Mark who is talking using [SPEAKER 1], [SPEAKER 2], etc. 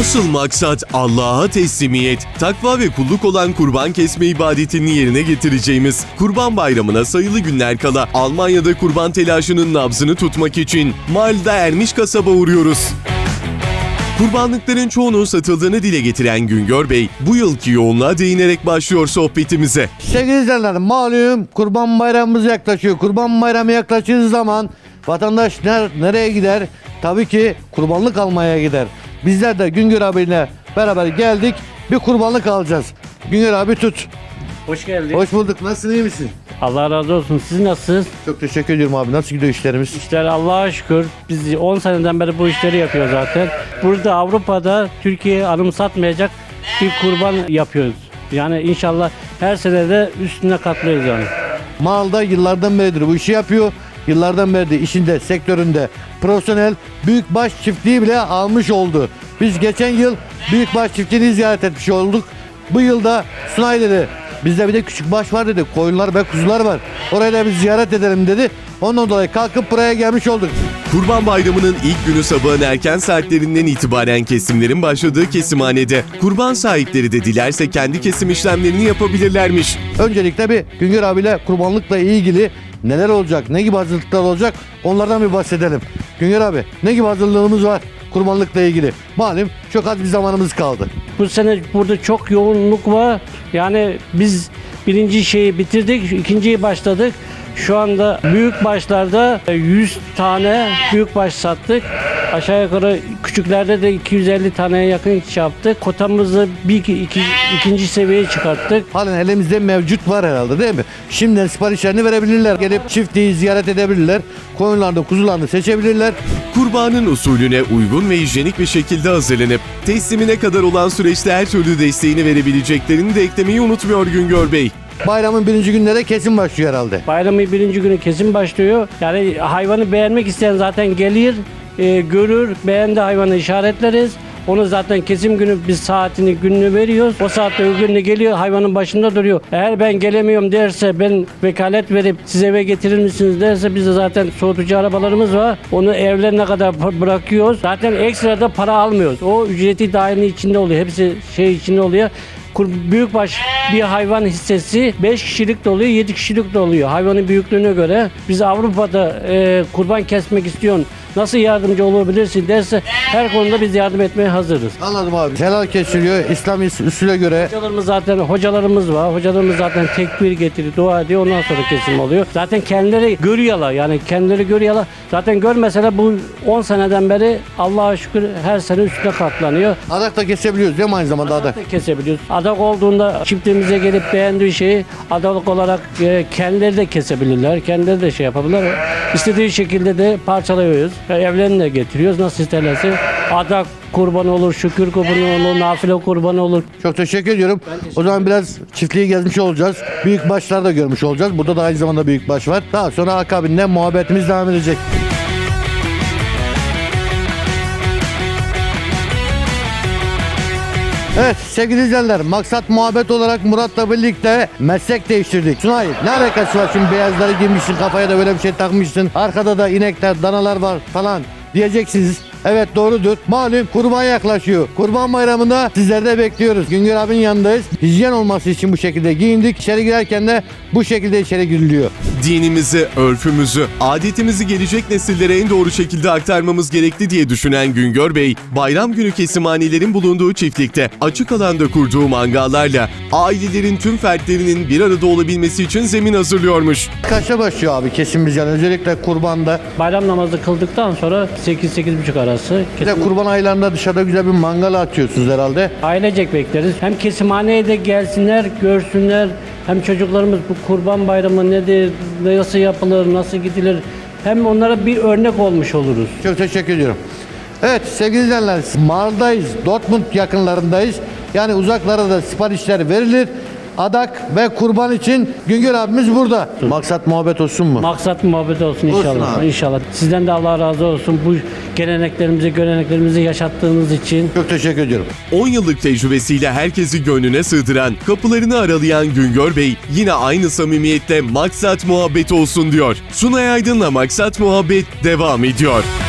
[SPEAKER 1] Asıl maksat Allah'a teslimiyet, takva ve kulluk olan kurban kesme ibadetini yerine getireceğimiz Kurban Bayramı'na sayılı günler kala Almanya'da kurban telaşının nabzını tutmak için Mahl'da Ermiş kasaba uğruyoruz. Kurbanlıkların çoğunun satıldığını dile getiren Güngör Bey, bu yılki yoğunluğa değinerek başlıyor sohbetimize.
[SPEAKER 2] Sevgili izleyenler, malum Kurban Bayramımız yaklaşıyor. Kurban Bayramı yaklaştığı zaman vatandaş nereye gider? Tabii ki kurbanlık almaya gider. Bizler de Güngör abiyle beraber geldik. Bir kurbanlık alacağız. Güngör abi tut.
[SPEAKER 3] Hoş geldin.
[SPEAKER 2] Hoş bulduk. Nasılsın, iyi misin?
[SPEAKER 3] Allah razı olsun. Siz nasılsınız?
[SPEAKER 2] Çok teşekkür ediyorum abi. Nasıl gidiyor işlerimiz?
[SPEAKER 3] İşler Allah'a şükür. Biz 10 seneden beri bu işleri yapıyoruz zaten. Burada Avrupa'da Türkiye'yi anımsatmayacak bir kurban yapıyoruz. Yani inşallah her sene de üstüne katlıyoruz yani.
[SPEAKER 2] Malda yıllardan beridir bu işi yapıyor. Yıllardan beri de işinde, sektöründe profesyonel büyükbaş çiftliği bile almış oldu. Biz geçen yıl büyükbaş çiftliğini ziyaret etmiş olduk. Bu yılda Sunay dedi, bizde bir de küçük baş var dedi, koyunlar ve kuzular var. Orayı da bir ziyaret edelim dedi. Ondan dolayı kalkıp buraya gelmiş olduk.
[SPEAKER 1] Kurban Bayramı'nın ilk günü sabahın erken saatlerinden itibaren kesimlerin başladığı kesimhanede kurban sahipleri de dilerse kendi kesim işlemlerini yapabilirlermiş.
[SPEAKER 2] Öncelikle bir Güngör abiyle kurbanlıkla ilgili neler olacak, ne gibi hazırlıklar olacak onlardan bir bahsedelim. Güngör abi, ne gibi hazırlığımız var kurbanlıkla ilgili? Malum çok az bir zamanımız kaldı.
[SPEAKER 3] Bu sene burada çok yoğunluk var. Yani biz birinci şeyi bitirdik, ikinciyi başladık. Şu anda büyük başlarda 100 tane büyük baş sattık. Aşağı yukarı küçüklerde de 250 taneye yakın iş yaptık. Kotamızı ikinci seviyeye çıkarttık.
[SPEAKER 2] Halen elimizde mevcut var herhalde, değil mi? Şimdiden siparişlerini verebilirler. Gelip çiftliği ziyaret edebilirler. Koyunlarını, kuzularını seçebilirler.
[SPEAKER 1] Kurbanın usulüne uygun ve hijyenik bir şekilde hazırlanıp teslimine kadar olan süreçte her türlü desteğini verebileceklerini de eklemeyi unutmuyor Güngör Bey.
[SPEAKER 2] Bayramın birinci günlere kesin başlıyor herhalde.
[SPEAKER 3] Bayramın birinci günü kesin başlıyor. Yani hayvanı beğenmek isteyen zaten gelir, görür, beğendi hayvanı işaretleriz. Onu zaten kesim günü biz saatini, gününü veriyoruz. O saatte gününe geliyor, hayvanın başında duruyor. Eğer ben gelemiyorum derse, ben vekalet verip size eve getirir misiniz derse, bizde zaten soğutucu arabalarımız var. Onu evlerine kadar bırakıyoruz. Zaten ekstra da para almıyoruz. O ücreti dahilinin içinde oluyor. Hepsi içinde oluyor. Büyükbaş bir hayvan hissesi 5 kişilik de oluyor, 7 kişilik de oluyor. Hayvanın büyüklüğüne göre biz Avrupa'da kurban kesmek istiyorsun, nasıl yardımcı olabilirsin derse her konuda biz yardım etmeye hazırız.
[SPEAKER 2] Anladım abi. Helal kesiliyor İslam usulüne göre.
[SPEAKER 3] Hocalarımız var. Hocalarımız zaten tekbir getiriyor, dua ediyor. Ondan sonra kesim oluyor. Zaten kendileri görüyorlar. Yani kendileri görüyorlar. Zaten görmeseler bu 10 seneden beri Allah'a şükür her sene üstüne katlanıyor.
[SPEAKER 2] Adak da kesebiliyoruz değil mi aynı zamanda adak?
[SPEAKER 3] Da kesebiliyoruz. Adak olduğunda çiftliğimize gelip beğendiği şeyi adalık olarak kendileri de kesebilirler. Kendileri de şey yapabilirler. İstediği şekilde de parçalıyoruz. Evlerini de getiriyoruz. Nasıl isterlerse. Adak kurbanı olur, şükür kurbanı olur, nafile kurbanı olur.
[SPEAKER 2] Çok teşekkür ediyorum. O zaman biraz çiftliği gezmiş olacağız. Büyük başlar da görmüş olacağız. Burada da aynı zamanda büyük baş var. Daha sonra akabinde muhabbetimiz devam edecek. Evet sevgili izleyenler, maksat muhabbet olarak Murat'la birlikte meslek değiştirdik. Sunay, ne alakası var şimdi, beyazları giymişsin, kafaya da böyle bir şey takmışsın, arkada da inekler, danalar var falan diyeceksiniz. Evet doğrudur. Malum kurban yaklaşıyor. Kurban Bayramı'nda sizleri de bekliyoruz. Güngör abinin yanındayız. Hijyen olması için bu şekilde giyindik. İçeri girerken de bu şekilde içeri giriliyor.
[SPEAKER 1] Dinimizi, örfümüzü, adetimizi gelecek nesillere en doğru şekilde aktarmamız gerekli diye düşünen Güngör Bey, bayram günü kesimhanelerin bulunduğu çiftlikte açık alanda kurduğu mangallarla ailelerin tüm fertlerinin bir arada olabilmesi için zemin hazırlıyormuş.
[SPEAKER 2] Kaçta başlıyor abi kesimimiz, yani özellikle kurbanda?
[SPEAKER 3] Bayram namazı kıldıktan sonra 8-8.30 arası.
[SPEAKER 2] Bir de kurban aylarında dışarıda güzel bir mangal atıyorsunuz herhalde.
[SPEAKER 3] Ailecek bekleriz. Hem kesimhaneye de gelsinler, görsünler. Hem çocuklarımız bu kurban bayramı nedir, nasıl yapılır, nasıl gidilir. Hem onlara bir örnek olmuş oluruz.
[SPEAKER 2] Çok teşekkür ediyorum. Evet sevgili izleyenler, Mar'dayız. Dortmund yakınlarındayız. Yani uzaklara da siparişler verilir. Adak ve kurban için Güngör abimiz burada. Maksat muhabbet olsun mu?
[SPEAKER 3] Maksat muhabbet olsun inşallah.
[SPEAKER 2] Olsun abi.
[SPEAKER 3] İnşallah. Sizden de Allah razı olsun. Bu göreneklerimizi yaşattığınız için.
[SPEAKER 2] Çok teşekkür ediyorum.
[SPEAKER 1] 10 yıllık tecrübesiyle herkesi gönlüne sığdıran, kapılarını aralayan Güngör Bey yine aynı samimiyetle maksat muhabbet olsun diyor. Sunay Aydın'la Maksat Muhabbet devam ediyor.